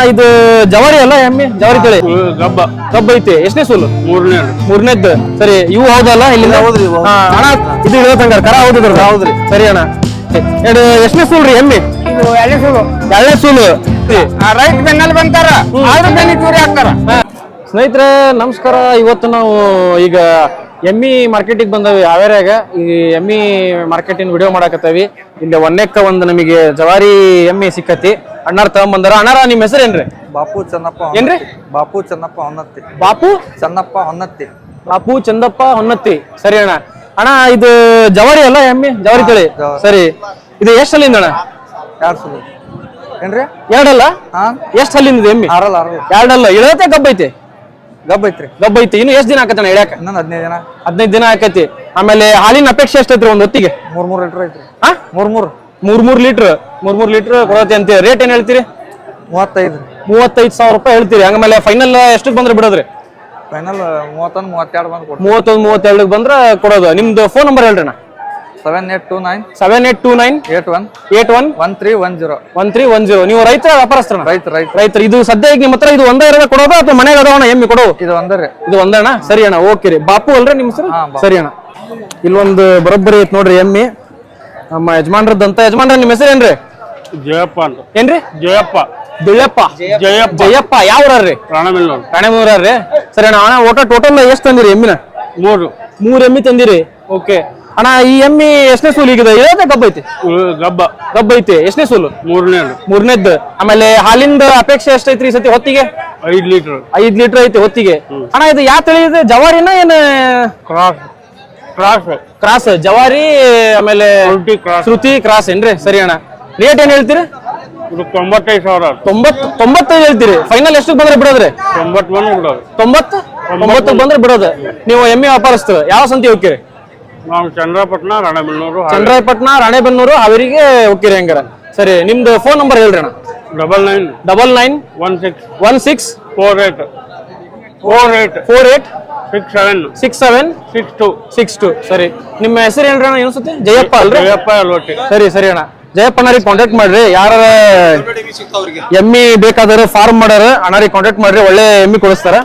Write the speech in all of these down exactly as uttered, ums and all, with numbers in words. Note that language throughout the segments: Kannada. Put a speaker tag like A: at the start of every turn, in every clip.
A: ಇದು ಜವಾರಿ ಅಲ್ಲ ಎಮ್ಮಿ ಜವಾರಿ ತಳಿ
B: ಗಬ್ಬ
A: ಗಬ್ಬ ಐತಿ ಎಷ್ಟನೇ ಸೂಲು
B: ಮೂರನೇ
A: ಮೂರನೇದ್ದು ಸರಿ ಇವು ಹೌದಲ್ಲ ಇಲ್ಲಿಂದ
C: ಹೌದ್ರಿ
A: ಹಾ ಅಣ್ಣ ಇದು ಇರೋದಂಗಾರ ಕರ ಹೌದ್ರ
C: ಹೌದ್ರಿ
A: ಸರಿ ಅಣ್ಣ ಎರಡು ಎಷ್ಟನೇ ಸೂಲ್ ರೀ ಎಮ್ಮಿ
B: ಇದು ಎಳೆ ಸೂಲು
A: ಎರಡನೇ ಸೂಲು
B: ರೈಟ್ ಬೆನ್ನಲ್ಲಿ ಬಂತಾರ ಆದ್ರೂ ಬೆನ್ನಿ ಚೂರಿ ಹಾಕ್ತಾರ
A: ಸ್ನೇಹಿತರೆ ನಮಸ್ಕಾರ ಇವತ್ತು ನಾವು ಈಗ ಎಮ್ಮಿ ಮಾರ್ಕೆಟಿಗೆ ಬಂದವಿ ಹಾವೇರಿಯಾಗ ಈ ಎಮ್ಮಿ ಮಾರ್ಕೆಟಿನ ವಿಡಿಯೋ ಮಾಡಾಕತ್ತವಿ ಇಲ್ಲಿ ಒಂದಕ್ಕ ಒಂದು ನಮಗೆ ಜವಾರಿ ಎಮ್ಮಿ ಸಿಕ್ಕತಿ ಅಣ್ಣಾರ್ ತಗೊಂಬಂದಾರ ಅಣ್ಣಾರ ನಿಮ್ಮ ಹೆಸರು ಏನ್ರಿ
C: ಬಾಪು ಚೆನ್ನಪ್ಪ
A: ಏನ್ರಿ
C: ಬಾಪು ಚೆನ್ನಪ್ಪ ಹೊನ್ನತ್ತಿ
A: ಬಾಪು
C: ಚೆನ್ನಪ್ಪ ಹೊನ್ನತ್ತಿ
A: ಬಾಪು ಚಂದಪ್ಪ ಹೊನ್ನತ್ತಿ ಸರಿ ಅಣ್ಣ ಅಣ್ಣ ಇದು ಜವಾರಿ ಅಲ್ಲ ಎಮ್ಮಿ ಜವಾರಿ ತಳಿ ಸರಿ ಇದು ಎಷ್ಟು ಅಲ್ಲಿಂದ ಅಣ್ಣ
C: ಎರಡು ಸಲ ಏನ್ರಿ
A: ಎರಡಲ್ಲ
C: ಹಾ
A: ಎಷ್ಟು ಅಲ್ಲಿಂದ ಎಮ್ಮಿ
C: ಆರಲ್ಲ ಆರಲ್ಲ
A: ಎರಡಲ್ಲ ಇಳತೆ ಗಬ್ಬ ಐತಿ
C: ಗಬ್ಬ ಐತ್ರಿ
A: ಗಬ್ಬ ಐತಿ ಇನ್ನು ಎಷ್ಟು ದಿನ ಆಕತ್ತಣ್ಣ ಇಳ್ಯಾಕ
C: ಇನ್ನೊಂದು ಹದಿನೈದು ದಿನ
A: ಹದಿನೈದು ದಿನ ಆಕತಿ ಆಮೇಲೆ ಹಾಲಿನ ಅಪೇಕ್ಷೆ ಎಷ್ಟೈತ್ರಿ ಒಂದು ಹೊತ್ತಿಗೆ
C: ಮೂರ್ ಮೂರ್ ಲೀಟರ್ ಐತ್ರಿ
A: ಹಾ
C: ಮೂರ್ ಮೂರ್
A: ಮೂರ್ ಮೂರ್ ಲೀಟರ್ ಮೂರ್ ಮೂರ್ ಲೀಟರ್ ಕೊಡತ್ತೆ ಅಂತ ರೇಟ್ ಏನ್ ಹೇಳ್ತೀರಿ
C: ಮೂವತ್ತೈದು
A: ಮೂವತ್ತೈದು ಸಾವಿರ ರೂಪಾಯಿ ಹೇಳ್ತೀರಿ ಹಂಗಮೇಲೆ ಫೈನಲ್ ಎಷ್ಟಕ್ಕೆ ಬಂದ್ರೆ ಬಿಡೋದ್ರಿ
C: ಫೈನಲ್ ಮೂವತ್ತೊಂದು ಮೂವತ್ತೆರಡು ಬಂದು ಕೊಡ್ತೀವಿ
A: ಮೂವತ್ತೊಂದು ಮೂವತ್ತೆರಡಕ್ಕೆ ಬಂದ್ರೆ ಕೊಡೋದು ನಿಮ್ದು ಫೋನ್ ನಂಬರ್ ಹೇಳ್ರಿ ಅಣ್ಣ
C: seven eight two nine
A: seven eight two nine
C: eight one
A: eight one
C: one three one zero
A: one three one zero ನೀವು ರೈತರ ವ್ಯಾಪಾರಸ್ಥರಣ
C: ರೈತ ರೈತ
A: ರೈತರು ಇದು ಸದ್ಯ ಈಗ ನಿಮ್ಮ ಹತ್ರ ಇದು ಒಂದೇ ಇರೋದ ಕೊಡೋದು ಅಥವಾ ಮನೆಗೆ ಅದಾವಣ ಎಮ್ಮಿ ಕೊಡೋ
C: ಇದು ಒಂದರಿ
A: ಇದು ಒಂದಣ್ಣ ಸರಿ ಅಣ್ಣ ಓಕೆ ರೀ ಬಾಪು ಅಲ್ರಿ ನಿಮ್ಮ ಹೆಸರು
C: ಹಾ, ಬಾಪು.
A: ಸರಿ ಅಣ್ಣ ಇಲ್ಲೊಂದು ಬರೋಬ್ಬರಿ ಐತ್ ನೋಡ್ರಿ ಎಮ್ಮಿ ನಮ್ಮ ಯಜಮಾನ್ರದ್ದಂತ ಯಜಮಾನ್ರ ನಿಮ್ಮ ಹೆಸರು ಏನ್ರಿ
B: ಜಯಪ್ಪ ಅಂತ
A: ಏನ್ರಿ
B: ಜಯಪ್ಪ
A: ದುಳ್ಳಪ್ಪ
B: ಜಯಪ್ಪ
A: ಜಯಪ್ಪ ಯಾವ್ರಿ
B: ರಾಣಮೆಲ್ಲೂರು
A: ರಾಣೆಮೂರ್ರಿ ಸರಿ ಅಣ್ಣ ಅಣ್ಣ ಒಟ್ಟ ಟೋಟಲ್ ಎಷ್ಟು ತಂದಿರಿ ಎಮ್ಮಿನ
B: ಮೂರು
A: ಮೂರ್ ಎಮ್ಮಿ ತಂದಿರಿ ಓಕೆ ಅಣ್ಣ ಈ ಎಮ್ಮಿ ಎಷ್ಟನೇ ಸೂಲ್ ಈಗಿದೆ ಇರೋದೇ ಗಬ್ಬ ಐತಿ
B: ಇವು ಗಬ್ಬ
A: ಗಬ್ಬ ಐತಿ ಎಷ್ಟನೇ ಸೂಲು
B: ಮೂರನೇ
A: ಮೂರನೇದ್ದು ಆಮೇಲೆ ಹಾಲಿಂದ ಅಪೇಕ್ಷೆ ಎಷ್ಟೈತ್ರಿ ಈ ಸತಿ ಹೊತ್ತಿಗೆ
B: ಐದು ಲೀಟರ್
A: ಐದ್ ಲೀಟರ್ ಐತಿ ಹೊತ್ತಿಗೆ ಅಣ್ಣ ಇದು ಯಾವ ತಳಿ ಇದೆ ಜವಾರಿನ ಏನ್
B: ಕ್ರಾಸ್ ಕ್ರಾಸ್
A: ಕ್ರಾಸ್ ಜವಾರಿ ಆಮೇಲೆ
B: ಟ್ವೆಂಟಿ ಕ್ರಾಸ್
A: ಶ್ರುತಿ ಕ್ರಾಸ್ ಏನ್ರಿ ಸರಿ ಅಣ್ಣ ರೇಟ್ ಏನ್ ಹೇಳ್ತೀರಿ
B: ಇದು ತೊಂಬತ್ತೈದು ಸಾವಿರ
A: ತೊಂಬತ್ ತೊಂಬತ್ತೈದು ಹೇಳ್ತೀರಿ ಫೈನಲ್ ಎಷ್ಟು ಬಂದ್ರೆ ಬಿಡೋದ್ರಿ
B: ತೊಂಬತ್ತು ಬಂದು ಬಿಡೋದು
A: ತೊಂಬತ್ತು ತೊಂಬತ್ತು ಬಂದ್ರೆ ಬಿಡೋದು ನೀವು ಎಮ್ಮೆ ವ್ಯಾಪಾರಸ್ಥರು ಯಾವ ಸಂತಿ ಹೋಗ್ತೀರಿ
B: ನಾವು ಚಂದ್ರಪಟ್ಟಣ ರಾಣೆಬೆನ್ನೂರು
A: ಚಂದ್ರಾಯಪಟ್ಟಣ ರಾಣೆಬೆನ್ನೂರು ಹಾವೇರಿಗೆ ಹೋಗ್ತೀರಿ ಹಂಗಾರ ಸರಿ ನಿಮ್ದು ಫೋನ್ ನಂಬರ್ ಹೇಳ್ರಿ ಅಣ್ಣ
B: double nine
A: double nine
B: one six
A: one six
B: four eight four eight
A: four eight
B: six seven
A: six seven
B: six two
A: six two ಸರಿ ನಿಮ್ಮ ಹೆಸರು ಏನ್ರಿ ಅಣ್ಣ ಅನ್ಸುತ್ತೆ ಜಯಪ್ಪ ಅಲ್ರಿ
B: ಜಯಪ್ಪ ಅಲ್ವಟ್ಟಿ
A: ಸರಿ ಸರಿ ಅಣ್ಣ ಜಯಪ್ಪನರಿಗೆ ಕಾಂಟ್ಯಾಕ್ಟ್ ಮಾಡ್ರಿ ಯಾರ ಎಮ್ಮಿ ಬೇಕಾದ್ರೆ ಫಾರ್ಮ್ ಮಾಡಾರ ಅಣ್ಣರಿಗೆ ಕಾಂಟ್ಯಾಕ್ಟ್ ಮಾಡ್ರಿ ಒಳ್ಳೆ ಎಮ್ಮಿ ಕೊಡಿಸ್ತಾರ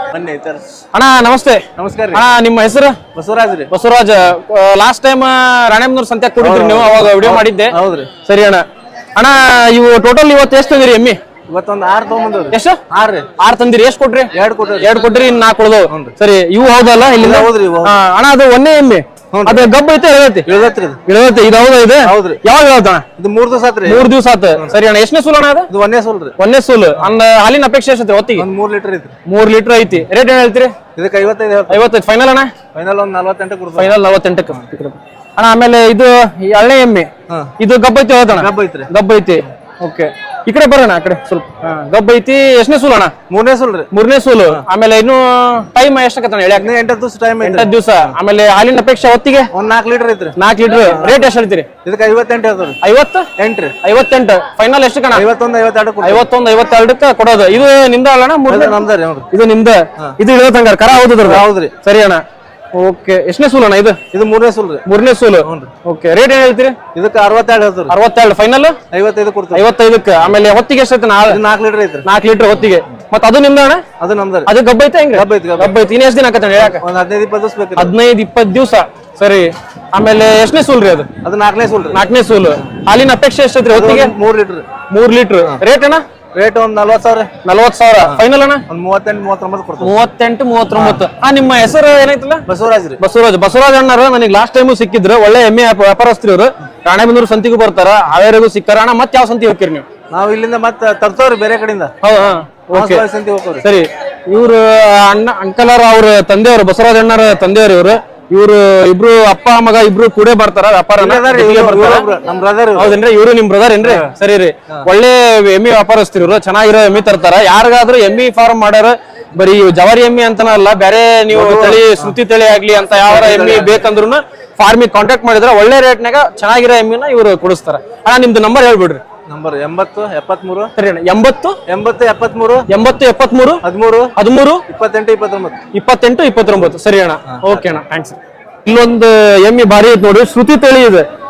A: ಅಣ್ಣ ನಮಸ್ತೆ
C: ನಮಸ್ಕಾರ ರೀ
A: ಅಣ್ಣ ನಿಮ್ಮ ಹೆಸರು
C: ಬಸವರಾಜ್ ರೀ
A: ಬಸವರಾಜ್ ಲಾಸ್ಟ್ ಟೈಮ್ ರಾಣೆಬೆನ್ನೂರು ಸಂತ್ಯಾಗ ಕೊಟ್ಟಿದ್ರಿ ನೀವು ಅವಾಗ ವಿಡಿಯೋ ಮಾಡಿದ್ದೆ
C: ಹೌದ್ರಿ
A: ಸರಿ ಅಣ್ಣ ಅಣ್ಣ ಇವು ಟೋಟಲ್ ಇವತ್ತು ಎಷ್ಟು ತಂದಿರಿ ಎಮ್ಮಿ
C: ಇವತ್ತೊಂದು ಆರು ತೊಗೊಂಬಂದವ್ರಿ
A: ಎಷ್ಟು
C: ಆರು ರೀ
A: ಆರ್ ತಂದಿರಿ ಎಷ್ಟು ಕೊಟ್ರಿ
C: ಎರಡು ಕೊಟ್ರಿ
A: ಎರಡ್ ಕೊಟ್ರಿ ಇನ್ ನಾಲ್ಕು ಉಳ್ದವು ಸರಿ ಇವು ಹೌದಲ್ಲ ಇಲ್ಲಿಂದ
C: ಹೌದ್ರಿ, ಇವು ಹೌದು.
A: ಹಾ, ಅಣ್ಣ ಅದು ಒಂದೇ ಎಮ್ಮೆ ಅದು ಗಬ್ಬ ಐತೆ ಇಳದೈತಿ
C: ಇಳದತ್ರಿ ಇದು
A: ಇಳದೈತಿ ಇದು ಹೌದಾ ಇದೆ
C: ಹೌದ್ರಿ.
A: ಯಾವಾಗ ಇಳದಣ್ಣ
C: ಇದು ಮೂರ್ ದಿವಸ ಆತ್ರಿ
A: ಮೂರ್ ದಿವಸ ಆತ ಸರಿ ಅಣ್ಣ ಎಷ್ಟನೇ ಸೂಲ್ ಅಣ್ಣ ಅದು
C: ಇದು ಒಂದೇ ಸೋಲ್ ರೀ
A: ಒಂದೇ ಸೂಲ್ ಅಂದ ಹಾಲಿನ ಅಪೇಕ್ಷೆ ಎಷ್ಟೈತಿ ಹೊತ್ತಿಗೆ
C: ಒಂದ್ ಮೂರ್ ಲೀಟರ್ ಐತ್ರಿ
A: ಮೂರ್ ಲೀಟರ್ ಐತಿ ರೇಟ್ ಏನ್ ಹೇಳ್ತೀರಿ
C: ಇದಕ್ಕೆ ಐವತ್ತೈದು ಹೇಳ್ತೀವಿ
A: ಐವತ್ತೈದು ಫೈನಲ್ ಅಣ್ಣ
C: ಫೈನಲ್ ಒಂದ್ ನಲ್ವತ್ತೆಂಟು ಕೊಡ್ತೀವಿ
A: ಫೈನಲ್ ನಲವತ್ತೆಂಟಕ್ಕೆ ಅಣ್ಣ ಆಮೇಲೆ ಇದು ಈ ಹಳ್ಳೆ ಎಮ್ಮೆ
C: ಹಾ.
A: ಇದು ಗಬ್ಬ ಐತಿ ಹೇಳ್ತಣ್ಣ
C: ಗಬ್ಬ ಐತ್ರಿ
A: ಗಬ್ಬ ಐತಿ ಓಕೆ ಈ ಕಡೆ ಬರೋಣ ಆ ಕಡೆ ಸ್ವಲ್ಪ ಹಾ, ಗಬ್ಬ ಐತಿ ಎಷ್ಟನೇ ಸೂಲ್ ಅಣ್ಣ
C: ಮೂರನೇ ಸೋಲ್ ರೀ
A: ಮೂರನೇ ಸೂಲು ಆಮೇಲೆ ಇನ್ನು ಟೈಮ್ ಎಷ್ಟಕ್ಕತ್ತ ಹೇಳ್ಯಾಕ
C: ಹದಿನೈದು ಎಂಟು ದಿವಸ ಟೈಮ್ ಐತ್ರಿ
A: ಎಂಟತ್ತು ದಿವಸ ಆಮೇಲೆ ಹಾಲಿನ ಅಪೇಕ್ಷೆ ಹೊತ್ತಿಗೆ
C: ಒಂದ್ ನಾಲ್ಕು ಲೀಟರ್ ಐತ್ರಿ
A: ನಾಲ್ಕು ಲೀಟರ್ ರೇಟ್ ಎಷ್ಟು ಹೇಳ್ತೀರಿ
C: ಇದಕ್ಕೆ ಐವತ್ತೆಂಟು ಹೇಳ್ತೀವಿ
A: ಐವತ್ತು
C: ಎಂಟ್ರಿ
A: ಐವತ್ತೆಂಟು ಫೈನಲ್ ಎಷ್ಟು ಕಣ
C: ಐವತ್ತೊಂದು ಐವತ್ತೆರಡು ಕೊಡ್ತೀವಿ
A: ಐವತ್ತೊಂದು ಐವತ್ತೆರಡಕ್ಕೆ ಕೊಡೋದು ಇದು ನಿಮ್ದ ಅಲ್ಲಣ್ಣ ಮೂರನೇ
C: ನಮ್ದ ರೀ ನೋಡ್ರಿ
A: ಇದು ನಿಮ್ದ ಇದು ಇಳದಂಗಾರ ಕರ ಹೌದು
C: ಹೌದ್ರಿ
A: ಸರಿ ಅಣ್ಣ ಓಕೆ ಎಷ್ಟನೇ ಸೂಲ್ ಅಣ್ಣ ಇದು
C: ಇದು ಮೂರನೇ ಸೋಲ್ ರೀ
A: ಮೂರನೇ ಸೂಲು ಓಕೆ ರೇಟ್ ಏನ್ ಹೇಳ್ತೀರಿ
C: ಇದಕ್ಕೆ ಅರವತ್ತೆರಡು ಹೇಳ್ತೀವಿ
A: ಅರವತ್ತೆರಡು ಫೈನಲ್
C: ಐವತ್ತೈದು ಕೊಡ್ತೀವಿ
A: ಐವತ್ತೈದಕ್ಕೆ ಆಮೇಲೆ ಹೊತ್ತಿಗೆ ಎಷ್ಟೈತೆ ನಾ
C: ಇದು ನಾಲ್ಕು ಲೀಟರ್ ಐತ್ರಿ
A: ನಾಲ್ಕು ಲೀಟರ್ ಹೊತ್ತಿಗೆ ಮತ್ತೆ ಅದು ನಿಮ್ದ ಅಣ್ಣ
C: ಅದು ನಮ್ದ ರೀ
A: ಅದು ಗಬ್ಬ ಐತೆ ಹೆಂಗ
C: ಗಬ್ಬ ಐತಿ, ಗಬ್ಬ.
A: ಗಬ್ಬ ಐತಿ ಇನ್ನು ಎಷ್ಟು ದಿನ ಆಕತ್ತ ಹೇಳಕ
C: ಒಂದ್ ಹದಿನೈದು ಇಪ್ಪತ್ತು ದಿವಸ ಬೇಕ್ರಿ
A: ಹದಿನೈದು ಇಪ್ಪತ್ತು ದಿವಸ ಸರಿ ಆಮೇಲೆ ಎಷ್ಟನೇ ಸೂಲ್ ರೀ ಅದು
C: ಅದು ನಾಲ್ಕನೇ ಸೋಲ್ ರೀ
A: ನಾಲ್ಕನೇ ಸೂಲು ಹಾಲಿನ ಅಪೇಕ್ಷೆ ಎಷ್ಟೈತ್ರಿ ಹೊತ್ತಿಗೆ
C: ಮೂರ್ ಲೀಟರ್
A: ಮೂರ್ ಲೀಟರ್ ರೇಟ್ ಅಣ್ಣ
C: ರೇಟ್ ಒಂದ್ ನಲ್ವತ್ತು ಸಾವಿರ
A: ನಲ್ವತ್ ಸಾವಿರ ಫೈನಲ್ ಅಣ್ಣ
C: ಒಂದ್ ಮೂವತ್ತೆಂಟು ಮೂವತ್ತೊಂಬತ್ತು ಕೊಡ್ತೀವಿ
A: ಮೂವತ್ತೆಂಟು ಮೂವತ್ತೊಂಬತ್ತು ಆ ನಿಮ್ಮ ಹೆಸರು ಏನಾಯ್ತಲ್ಲ
C: ಬಸವರಾಜ್ ರೀ
A: ಬಸವರಾಜ್ ಬಸವರಾಜ್ ಅಣ್ಣರು ನನಗೆ ಲಾಸ್ಟ್ ಟೈಮು ಸಿಕ್ಕಿದ್ರು ಒಳ್ಳೆ ಎಮ್ಮೆ ವ್ಯಾಪಾರಸ್ಥರು ಇವರು ರಾಣೆಬೆನ್ನೂರು ಸಂತಿಗೂ ಬರ್ತಾರ ಹಾವೇರಿಗೂ ಸಿಕ್ಕಾರ ಅಣ್ಣ ಮತ್ತೆ ಯಾವ ಸಂತಿ ಹೋಗ್ತೀರಿ ನೀವು
C: ನಾವ್ ಇಲ್ಲಿಂದ ಮತ್ತೆ ತರ್ತವ್ರಿ ಬೇರೆ ಕಡೆಯಿಂದ
A: ಹೌದಾ ಓಕೆ
C: ಸಂತಿ ಹೋಗ್ತವ್ರಿ
A: ಸರಿ ಇವ್ರು ಅಣ್ಣ ಅಂಕಲರ್ ಅವ್ರ ತಂದೆಯವರು ಬಸವರಾಜ್ ಅಣ್ಣರ ತಂದೆಯವರು ಇವರು ಇವ್ರು ಇಬ್ರು ಅಪ್ಪ ಮಗ ಇಬ್ರು ಕೂಡ ಬರ್ತಾರ ವ್ಯಾಪಾರನ ಜೊತೆಗೆ ಬರ್ತಾರ
C: ನಮ್ ಬ್ರದರ್
A: ಹೌದೇನ್ರಿ ಇವ್ರು ನಿಮ್ ಬ್ರದರ್ ಏನ್ರಿ ಸರಿ ರೀ ಒಳ್ಳೆ ಎಮ್ಮಿ ವ್ಯಾಪಾರಸ್ಥರು ಇವ್ರು ಚೆನ್ನಾಗಿರೋ ಎಮ್ಮಿ ತರ್ತಾರ ಯಾರಿಗಾದ್ರೂ ಎಮ್ಮಿ ಫಾರ್ಮ್ ಮಾಡ್ಯಾರ ಬರೀ ಜವಾರಿ ಎಮ್ಮಿ ಅಂತನಲ್ಲ ಬೇರೆ ನೀವು ತಳಿ ಶ್ರುತಿ ತಳಿ ಆಗ್ಲಿ ಅಂತ ಯಾವ ಎಮ್ಮಿ ಬೇಕಂದ್ರು ಫಾರ್ಮಿಗೆ ಕಾಂಟ್ಯಾಕ್ಟ್ ಮಾಡಿದ್ರ ಒಳ್ಳೆ ರೇಟ್ನಾಗ ಚೆನ್ನಾಗಿರೋ ಎಮ್ಮಿನ ಇವ್ರು ಕೊಡಿಸ್ತಾರ ಅಣ್ಣ ನಿಮ್ದು ನಂಬರ್ ಹೇಳ್ಬಿಡ್ರಿ
C: ನಂಬರ್ ಎಂಬತ್ತು ಎಪ್ಪತ್ಮೂರು
A: ಸರಿ ಅಣ್ಣ ಎಂಬತ್ತು
C: ಎಂಬತ್ತು ಎಪ್ಪತ್ಮೂರು
A: ಎಂಬತ್ತು ಎಪ್ಪತ್ಮೂರು
C: ಹದಿಮೂರು
A: ಹದಿಮೂರು
C: ಇಪ್ಪತ್ತೆಂಟು ಇಪ್ಪತ್ತೊಂಬತ್ತು
A: ಇಪ್ಪತ್ತೆಂಟು ಇಪ್ಪತ್ತೊಂಬತ್ತು ಸರಿ ಅಣ್ಣ ಓಕೆ ಅಣ್ಣ ಥ್ಯಾಂಕ್ಸ್ ಇಲ್ಲೊಂದು ಎಮ್ಮಿ ಭಾರಿ ಐತೆ ನೋಡ್ರಿ ಶ್ರುತಿ ತಳಿ ಇದೆ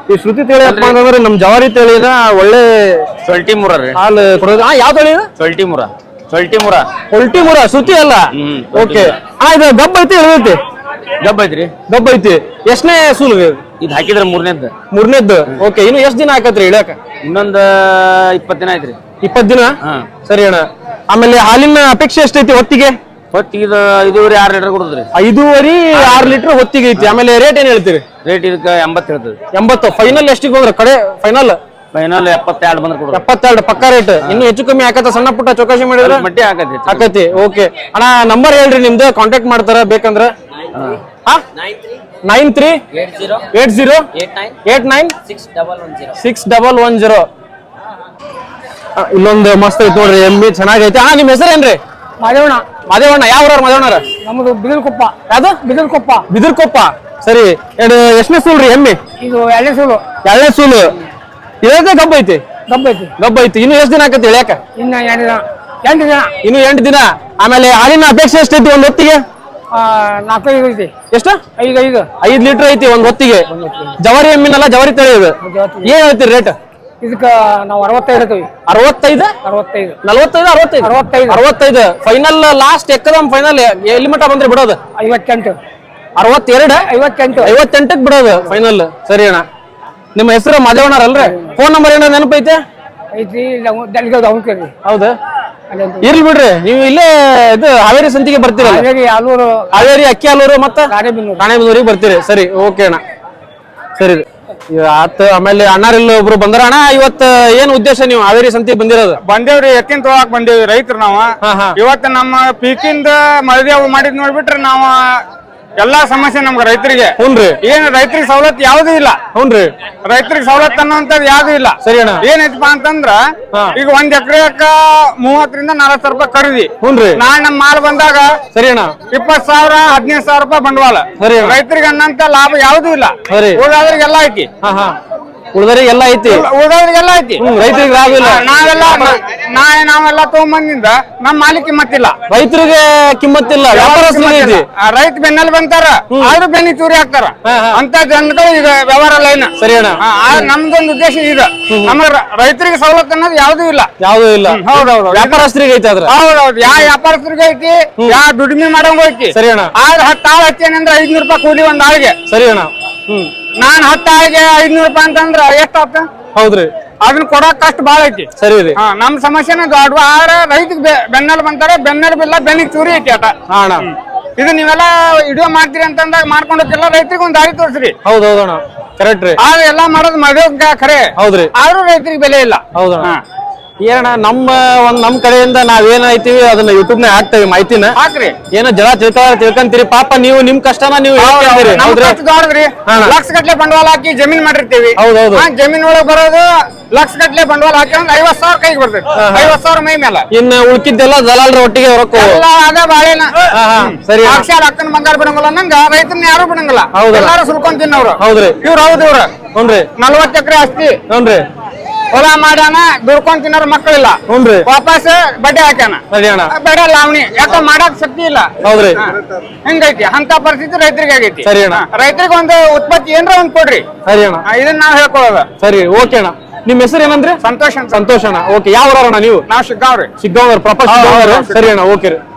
A: ಈ ಶ್ರುತಿ ತಳಿ ಅಪ್ಪ ಅಂತಂದ್ರೆ ನಮ್ ಜವಾರಿ ತಳಿನ ಒಳ್ಳೆ
D: ಸೊಲ್ಟಿ ಮುರ ರೀ
A: ಹಾಲು ಕೊಡೋದು. ಹಾ, ಯಾವ ತಳಿ ಇದು?
D: ಸೊಲ್ಟಿ ಮುರ ಸೊಲ್ಟಿ ಮುರ
A: ಹೊಲ್ಟಿ ಮುರ, ಶ್ರುತಿ ಅಲ್ಲ.
D: Hmm,
A: okay. ಹಾ, ಇದು ಗಬ್ಬ ಐತಿ ಇಳಿದೈತಿ?
D: ಗಬ್ಬ ಐತ್ರಿ.
A: ಗಬ್ಬ ಐತಿ. ಎಷ್ಟನೇ ಸೂಲು ಇದು?
D: ಇದು ಹಾಕಿದ್ರೆ ಮೂರನೇದ್
A: ಮೂರನೇದ್ದು. ಓಕೆ. ಇನ್ನು ಎಷ್ಟ್ ದಿನ ಹಾಕತ್ರಿ ಇಳ್ಯಾಕ?
D: ಇನ್ನೊಂದ್ ಇಪ್ಪತ್ ದಿನ ಐತ್ರಿ.
A: ಇಪ್ಪತ್ ದಿನ.
D: ಹಾ.
A: ಸರಿ ಅಣ್ಣ. ಆಮೇಲೆ ಹಾಲಿನ ಅಪೇಕ್ಷೆ ಎಷ್ಟೈತಿ ಹೊತ್ತಿಗೆ?
D: ಹೊತ್ತಿಗೆ ಇದು ಐದೂವರೆ ಆರು ಲೀಟರ್ ಕೊಡುದ್ರಿ.
A: ಐದೂವರೆ ಆರು ಲೀಟರ್ ಹೊತ್ತಿಗೆ ಐತಿ. ಆಮೇಲೆ ರೇಟ್ ಏನ್ ಹೇಳ್ತೀರಿ?
D: ರೇಟ್ ಇದಕ್ಕೆ ಎಂಬತ್ತು ಹೇಳ್ತದೆ.
A: ಎಂಬತ್ತು. ಫೈನಲ್ ಎಷ್ಟಿಗೆ ಹೋದ್ರ ಕಡೆ ಫೈನಲ್?
D: ಫೈನಲ್ ಎಪ್ಪತ್ತೆರಡು ಬಂದ್ರೆ ಕೊಡುದು.
A: ಎಪ್ಪತ್ತೆರಡು ಪಕ್ಕ ರೇಟ್. ಇನ್ನು ಹೆಚ್ಚು ಕಮ್ಮಿ ಆಕತ್ತ? ಸಣ್ಣ ಪುಟ್ಟ ಚೌಕಾಶಿ ಮಾಡಿದ್ರೆ
D: ಮಟ್ಟಿ ಹಾಕತಿ
A: ಆಕತಿ. ಓಕೆ ಅಣ್ಣ, ನಂಬರ್ ಹೇಳ್ರಿ ನಿಮ್ದು, ಕಾಂಟ್ಯಾಕ್ಟ್ ಮಾಡ್ತಾರ ಬೇಕಂದ್ರ. Nine three eight zero eight nine six double one zero. ಇಲ್ಲೊಂದು ಮಸ್ತ್ ಐತಿ ನೋಡ್ರಿ, ಎಮ್ಮಿ ಚೆನ್ನಾಗೈತಿ. ಹಾ, ನಿಮ್ ಹೆಸರೇನ್ರಿ?
B: ಮಾದೇವಣ್ಣ.
A: ಮಾದೇವಣ್ಣ. ಯಾವ ಊರವ್ರ ಮಾದೇವಣ್ಣರ?
B: ನಮ್ದು ಬಿದಿರ್ಕೊಪ್ಪ.
A: ಯಾವ್ದು?
B: ಬಿದಿರ್ಕೊಪ್ಪ.
A: ಬಿದಿರ್ಕೊಪ್ಪ. ಸರಿ. ಎರಡು ಎಷ್ಟನೇ ಸೂಲ್ರಿ ಎಮ್ಮಿ?
B: ಇದು ಎಣ್ಣೆ ಸೂಲು.
A: ಎರಡನೇ ಸೂಲು. ಇದೇ ಗಬ್ಬ ಐತಿ?
B: ಗಬ್ಬ ಐತಿ.
A: ಗಬ್ಬ ಐತಿ. ಇನ್ನು ಎಷ್ಟು ದಿನ ಆಕತಿ ಇಳ್ಯಾಕ?
B: ಇನ್ನ ಎಂಟು ದಿನ. ಎಂಟು ದಿನ.
A: ಇನ್ನು ಎಂಟು ದಿನ. ಆಮೇಲೆ ಹಾಲಿನ ಅಪೇಕ್ಷೆ ಎಷ್ಟೈತಿ ಒಂದ್ ಹೊತ್ತಿಗೆ?
B: ನಾಲ್ಕೈದು ಐತಿ.
A: ಎಷ್ಟು?
B: ಐದು ಐದು
A: ಐದ್ ಲೀಟರ್ ಐತಿ ಒಂದ್ ಹೊತ್ತಿಗೆ. ಜವಾರಿ ಎಮ್ಮಿನಲ್ಲ, ಜವಾರಿ ತಳಿ ಇದು. ಏನ್ ಹೇಳ್ತೀರಿ ರೇಟ್?
B: ಇದಕ್ಕ ನಾವು ಅರವತ್ತೈದು ಹೇಳ್ತೀವಿ.
A: ಅರವತ್ತೈದು
B: ಅರವತ್ತೈದು
A: ನಲವತ್ತೈದು ಅರವತ್ತೈದು
B: ಅರವತ್ತೈದು
A: ಅರವತ್ತೈದು ಫೈನಲ್ ಲಾಸ್ಟ್ ಎಕ್ಕದಮ್ ಫೈನಲ್ ಎಲ್ಲಿ ಮಟ್ಟ ಬಂದ್ರೆ ಬಿಡೋದು?
B: ಐವತ್ತೆಂಟು.
A: ಅರವತ್ತೆರಡು
B: ಐವತ್ತೆಂಟು
A: ಐವತ್ತೆಂಟಕ್ಕೆ ಬಿಡೋದು ಫೈನಲ್. ಸರಿ ಅಣ್ಣ. ನಿಮ್ಮ ಹೆಸರು ಮಾದೇವಣ್ಣರಲ್ರಿ? ಫೋನ್ ನಂಬರ್ ಏನೋ ನೆನಪೈತೆ?
B: ಐತಿ. ದಾವಣಗೆರೆ.
A: ಹೌದಾ? ಇರ್ಲಿ ಬಿಡ್ರಿ, ನೀವು ಇಲ್ಲೇ ಇದು ಹಾವೇರಿ ಸಂತಿಗೆ ಬರ್ತೀರಲ್ಲ?
B: ಹಾವೇರಿ, ಆಲೂರು,
A: ಹಾವೇರಿ, ಅಕ್ಕಿ ಆಲೂರು ಮತ್ತ
B: ರಾಣೆಬೆನ್ನೂರು.
A: ರಾಣೆಬೆನ್ನೂರಿಗೆ ಬರ್ತೀರಿ. ಸರಿ, ಓಕೆ ಅಣ್ಣ. ಸರಿ ಆತ. ಆಮೇಲೆ ಅಣ್ಣಾರಿಲ್ಲ ಒಬ್ರು ಬಂದಾರ. ಅಣ್ಣ, ಇವತ್ತ ಏನ್ ಉದ್ದೇಶ ನೀವು ಹಾವೇರಿ ಸಂತಿಗೆ ಬಂದಿರೋದು?
B: ಬಂದೇವ್ರಿ, ಎತ್ತಿನ ತೊಗೊಳಕ್ ಬಂದೇವಿ. ರೈತರು ನಾವ.
A: ಹಾ, ಹಾ.
B: ಇವತ್ತ ನಮ್ಮ ಪೀಕಿಂದ ಮಳದೇವ್ ಮಾಡಿದ್ ನೋಡ್ಬಿಟ್ರೆ ನಾವ ಎಲ್ಲಾ ಸಮಸ್ಯೆ ನಮ್ಗೆ ರೈತರಿಗೆ.
A: ಹುನ್ರಿ.
B: ಏನ್ ರೈತರಿಗೆ ಸವಲತ್ತು ಯಾವ್ದು ಇಲ್ಲ.
A: ಹುನ್ರಿ.
B: ರೈತರಿಗೆ ಸವಲತ್ತು ಅನ್ನೋಂಥದ್ದು ಯಾವ್ದು ಇಲ್ಲ.
A: ಸರಿ ಅಣ್ಣ.
B: ಏನೈತಪ್ಪ ಅಂತಂದ್ರ ಈಗ ಒಂದ್ ಎಕರೆಕ ಮೂವತ್ತರಿಂದ ನಲವತ್ತು ರೂಪಾಯಿ ಖರೀದಿ.
A: ಹುನ್ರಿ.
B: ನಾಳೆ ನಮ್ ಮಾಲ್ ಬಂದಾಗ
A: ಸರಿ ಅಣ್ಣ
B: ಇಪ್ಪತ್ ಸಾವಿರ ಹದಿನೈದು ಸಾವಿರ ರೂಪಾಯಿ ಬಂಡವಾಳ.
A: ಸರಿ ಅಣ್ಣ.
B: ರೈತರಿಗೆ ಅನ್ನಂತ ಲಾಭ ಯಾವ್ದು ಇಲ್ಲ.
A: ಸರಿ.
B: ಉಳಿದವ್ರಿಗೆಲ್ಲ ಐತಿ.
A: ಹಾ, ಹಾ. ಉಳಿದರಿಗೆ ಎಲ್ಲ ಐತಿ,
B: ಉಳಿದವ್ರಿಗೆಲ್ಲ ಐತಿ.
A: ರೈತರಿಗೆ ಲಾಭ ಇಲ್ಲ.
B: ನಾವೆಲ್ಲ ನಾಳೆ ನಾವೆಲ್ಲ ತಗೊಂಬಂದಿಂದ ನಮ್ ಮಾಲಿಕ್ ಕಿಮ್ಮತ್ತಿಲ್ಲ.
A: ರೈತರಿಗೆ ಕಿಮ್ಮತ್ತಿಲ್ಲ, ವ್ಯಾಪಾರಸ್ಥರಿಗೆ ಐತಿ.
B: ರೈತ ಬೆನ್ನಲ್ಲಿ ಬಂತಾರ, ಆದ್ರೂ ಬೆನ್ನಿ ಚೂರಿ ಹಾಕ್ತಾರ. ಅಂತ ಜನಗಳು ಈಗ ವ್ಯವಹಾರ ಲೈನ್.
A: ಸರಿ ಅಣ್ಣ.
B: ನಮ್ದೊಂದು ಉದ್ದೇಶ ಇದೆ, ನಮ್ಮ ರೈತರಿಗೆ ಸವಲತ್ತು ಅನ್ನೋದು ಯಾವ್ದು ಇಲ್ಲ.
A: ಯಾವ್ದು ಇಲ್ಲ.
B: ಹೌದೌದು.
A: ವ್ಯಾಪಾರಸ್ಥರಿಗೆ ಐತಿ ಅದ್ರ.
B: ಹೌದೌದು. ಯಾವ ವ್ಯಾಪಾರಸ್ಥರಿಗೆ ಐತಿ, ಯಾವ ದುಡಿಮೆ ಮಾಡಂಗ ಐತಿ.
A: ಸರಿ ಅಣ್ಣ.
B: ಆದ್ರೆ ಹತ್ತು ಆಳು ಹಚ್ಚೇನಂದ್ರೆ ಐದ್ನೂರು ರೂಪಾಯಿ ಕೂಲಿ ಒಂದ್ ಆಳಿಗೆ.
A: ಸರಿ ಅಣ್ಣ. ಹ್ಮ್.
B: ನಾನ್ ಹತ್ತು ಆಳಿಗೆ ಐದ್ನೂರು ರೂಪಾಯಿ ಅಂತಂದ್ರ ಎಷ್ಟಾಗ್ತ?
A: ಹೌದ್ರಿ.
B: ಅದನ್ನ ಕೊಡಕ್ ಕಷ್ಟ ಬಾಳ ಐತಿ.
A: ಸರಿ ರೀ.
B: ಹಾ, ನಮ್ ಸಮಸ್ಯೆನ ದೊಡ್ಡ. ಆದ್ರೆ ರೈತಗೆ ಬೆನ್ನಲ್ಲಿ ಬಂತಾರೆ, ಬೆನ್ನಲ್ಲಿ ಬಿಲ್ಲ, ಬೆನ್ನಿಗೆ ಚೂರಿ ಐತಿ ಆಟ.
A: ಹಾ ಅಣ್ಣ.
B: ಇದು ನೀವೆಲ್ಲ ವಿಡಿಯೋ ಮಾಡ್ತೀರಿ ಅಂತಂದಾಗ ಮಾಡ್ಕೊಂಡು ಹೋಗ್ತಿಲ್ಲ, ರೈತರಿಗೆ ಒಂದ್ ದಾರಿ ತೋರಿಸ್ರಿ.
A: ಹೌದೌದಣ್ಣ, ಕರೆಕ್ಟ್ ರೀ.
B: ಆದ್ರೆ ಎಲ್ಲಾ ಮಾಡೋದು ಮದುವೆ ಖರೆ.
A: ಹೌದ್ರಿ.
B: ಆದ್ರೂ ರೈತರಿಗೆ ಬೆಲೆ ಇಲ್ಲ.
A: ಹೌದಣ್ಣ. ಏನಣ್ಣ, ನಮ್ಮ ಒಂದ್ ನಮ್ ಕಡೆಯಿಂದ ನಾವೇನ್ ಐತಿವಿ ಅದನ್ನ ಯೂಟ್ಯೂಬ್ ನ ಹಾಕ್ತೇವೆ ಮಾಹಿತಿನ.
B: ಹಾಕ್ರಿ.
A: ಏನೋ ಜನ ತಿಳ್ಕ ತಿಳ್ಕೊಂತೀರಿ. ಪಾಪ ನೀವು ನಿಮ್ ಕಷ್ಟನ ನೀವು ಹೇಳ್ತೀರಿ.
B: ದೊಡ್ಡದ್ರಿ. ಲಕ್ಷ ಗಟ್ಲೆ ಬಂಡವಾಳ ಹಾಕಿ ಜಮೀನ್ ಮಾಡಿರ್ತೀವಿ.
A: ಹೌದೌದು.
B: ಜಮೀನ್ ಒಳಗ್ ಬರೋದು ಲಕ್ಷ ಗಟ್ಲೆ ಬಂಡವಾಳ ಹಾಕಿ ಒಂದ್ ಐವತ್ ಸಾವಿರ ಕೈಗೆ ಬರ್ತೈತಿ. ಐವತ್ ಸಾವಿರ ಮೈ ಮೇಲೆ.
A: ಇನ್ನು ಉಳ್ಕಿದ್ದೆಲ್ಲ ದಲಾಲ್ರ ಒಟ್ಟಿಗೆ ರೊಕ್ಕ
B: ಅದ ಬಾಳೆನ.
A: ಸರಿ.
B: ಅಕ್ಷರ ಅಕ್ಕನ ಬಂಗಾರ ಬಿಡಂಗಿಲ್ಲ ನಂಗ ರೈತರನ್ನ ಯಾರು ಬಿಡಂಗಿಲ್ಲ.
A: ಹೌದು.
B: ಎಲ್ಲಾರು ಸುಲ್ಕೊಂಡ್ ತಿನ್ನವ್ರು.
A: ಹೌದ್ರಿ.
B: ಇವ್ರು ಹೌದು. ಇವ್ರ
A: ಹುನ್ರಿ.
B: ನಲ್ವತ್ತು ಎಕರೆ ಆಸ್ತಿ.
A: ಹುನ್ರಿ.
B: ಹೊಲ ಮಾಡ್ಯಾನ, ದುಡ್ಕೊಂಡ್ ತಿನ್ನೋರ್ ಮಕ್ಕಳಿಲ್ಲ.
A: ಹುನ್ರಿ.
B: ವಾಪಸ್ ಬಡ್ಡಿ ಹಾಕ್ಯಾನ.
A: ಸರಿ ಅಣ್ಣ.
B: ಬೇಡ ಲಾವಣಿ. ಯಾಕ ಮಾಡಕ್ ಶಕ್ತಿ ಇಲ್ಲ.
A: ಹೌದ್ರಿ.
B: ಹಿಂಗೈತಿ. ಅಂತ ಪರಿಸ್ಥಿತಿ ರೈತರಿಗೆ ಆಗೈತಿ.
A: ಸರಿ ಅಣ್ಣ.
B: ರೈತರಿಗೆ ಒಂದು ಉತ್ಪತ್ತಿ ಏನ್ರ ಒಂದ್ ಕೊಡ್ರಿ.
A: ಸರಿ ಅಣ್ಣ.
B: ಇದನ್ನ ನಾವ್ ಹೇಳ್ಕೊಳ್ಳೋದು.
A: ಸರಿ, ಓಕೆ ಅಣ್ಣ. ನಿಮ್ ಹೆಸರು ಏನಂದ್ರೆ?
B: ಸಂತೋಷ್ ಅಂತ.
A: ಸಂತೋಷ್ ಅಣ್ಣ. ಓಕೆ. ಯಾವ ಊರಣ್ಣ ನೀವು?
B: ನಾವ್ ಶಿಗ್ಗಾವ್ರಿ.
A: ಶಿಗ್ಗಾಂವ್ ಪ್ರಾಪರ್ ಶಿಗ್ಗಾಂವ್. ಸರಿ ಅಣ್ಣ, ಓಕೆ ರೀ.